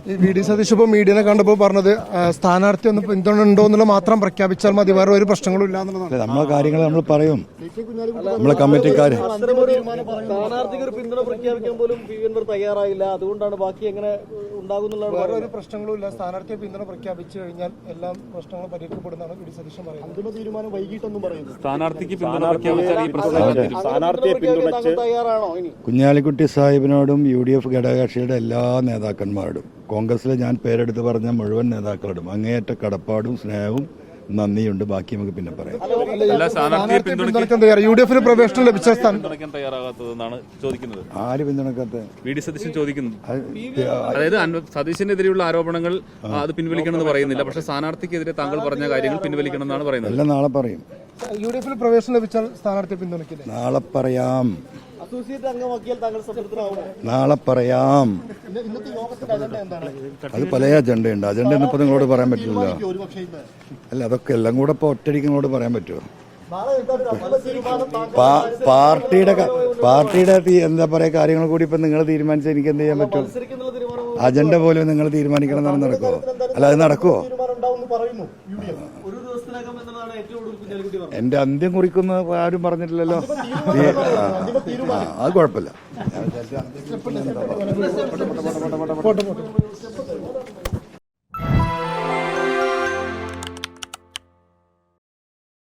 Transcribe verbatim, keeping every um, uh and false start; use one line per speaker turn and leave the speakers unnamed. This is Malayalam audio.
വി ഡി സതീഷ് ഇപ്പോൾ മീഡിയനെ കണ്ടപ്പോൾ പറഞ്ഞത് സ്ഥാനാർത്ഥി ഒന്ന് പിന്തുണ ഉണ്ടോ എന്നുള്ള മാത്രം പ്രഖ്യാപിച്ചാൽ മതി, വേറെ ഒരു പ്രശ്നങ്ങളും ഇല്ല എന്നുള്ളതാണ്.
നമ്മളെ കാര്യങ്ങൾ നമ്മൾ പറയും, നമ്മളെ കമ്മിറ്റിക്കാർ
സ്ഥാനാർത്ഥിക്ക് ഒരു പിന്തുണ പ്രഖ്യാപിക്കാൻ പോലും പി വി അൻവർ തയ്യാറായില്ല. അതുകൊണ്ടാണ് ബാക്കി എങ്ങനെ ഉണ്ടാകുന്നുള്ളതാണ്.
വേറെ ഒരു പ്രശ്നങ്ങളും ഇല്ല. സ്ഥാനാർത്ഥിയെ പിന്തുണ പ്രഖ്യാപിച്ചു കഴിഞ്ഞാൽ എല്ലാ പ്രശ്നങ്ങളും പരിഹരിക്കപ്പെടുന്നതാണ് വി ഡി സതീശൻ പറയുന്നത്.
അന്തിമ തീരുമാനം വൈകിട്ടൊന്നും പറയുന്നത്.
സ്ഥാനാർത്ഥിക്ക് പിന്തുണ പ്രഖ്യാപിച്ചാൽ ഈ പ്രശ്നം
സ്ഥാനാർത്ഥിയെ പിന്തുണച്ച് തയ്യാറാണോ? ഇനി
കുഞ്ഞാലിക്കുട്ടി സാഹിബിനോടും യു ഡി എഫ് ഘടകകക്ഷിയുടെ എല്ലാ നേതാക്കന്മാരോടും കോൺഗ്രസിലെ ഞാൻ പേരെടുത്ത് പറഞ്ഞ മുഴുവൻ നേതാക്കളോടും അങ്ങേയറ്റ കടപ്പാടും സ്നേഹവും നന്ദിയുണ്ട്. ബാക്കി നമുക്ക് പിന്നെ പറയാം.
യു ഡി എഫിന് പ്രവേശനം ലഭിച്ച
പിന്തുണയ്ക്കാൻ തയ്യാറാകാത്തതെന്നാണ് ചോദിക്കുന്നത്.
ആര് പിന്തുണക്കാത്ത?
വി ഡി സതീശൻ ചോദിക്കുന്നത്. അതായത് സതീശനെതിരെയുള്ള ആരോപണങ്ങൾ അത് പിൻവലിക്കണമെന്ന് പറയുന്നില്ല, പക്ഷേ സ്ഥാനാർത്ഥിക്കെതിരെ താങ്കൾ പറഞ്ഞ കാര്യങ്ങൾ പിൻവലിക്കണം എന്നാണ് പറയുന്നത്.
എല്ലാം നാളെ പറയും.
യു ഡി എഫിൽ പ്രവേശനം ലഭിച്ചാൽ സ്ഥാനാർത്ഥിയെ പിന്തുണയ്ക്കില്ല.
നാളെ പറയാം.
അസോസിയേറ്റ് അംഗമാക്കിയാൽ താങ്കൾ സംതൃപ്തനാവുമോ?
നാളെ പറയാം.
ഇന്നത്തെ യോഗത്തിന്റെ അജണ്ട എന്താണ്?
അത് പല അജണ്ടയുണ്ട്. അജണ്ട ഇന്നിപ്പോ നിങ്ങളോട് പറയാൻ പറ്റില്ല. അല്ല, അതൊക്കെ എല്ലാം കൂടെ ഇപ്പൊ ഒറ്റയടിക്ക് നിങ്ങളോട് പറയാൻ പറ്റുമോ? പാർട്ടിയുടെ പാർട്ടിയുടെ എന്താ പറയാ കാര്യങ്ങൾ കൂടി ഇപ്പൊ നിങ്ങൾ തീരുമാനിച്ചാൽ എനിക്ക് എന്ത് ചെയ്യാൻ പറ്റും? അജണ്ട പോലും നിങ്ങൾ തീരുമാനിക്കണം എന്നാണ് നടക്കുമോ? അല്ല, അത് നടക്കുമോ? എന്റെ അന്ത്യം കുറിക്കുന്ന ആരും പറഞ്ഞിട്ടില്ലല്ലോ. അത് കുഴപ്പമില്ല.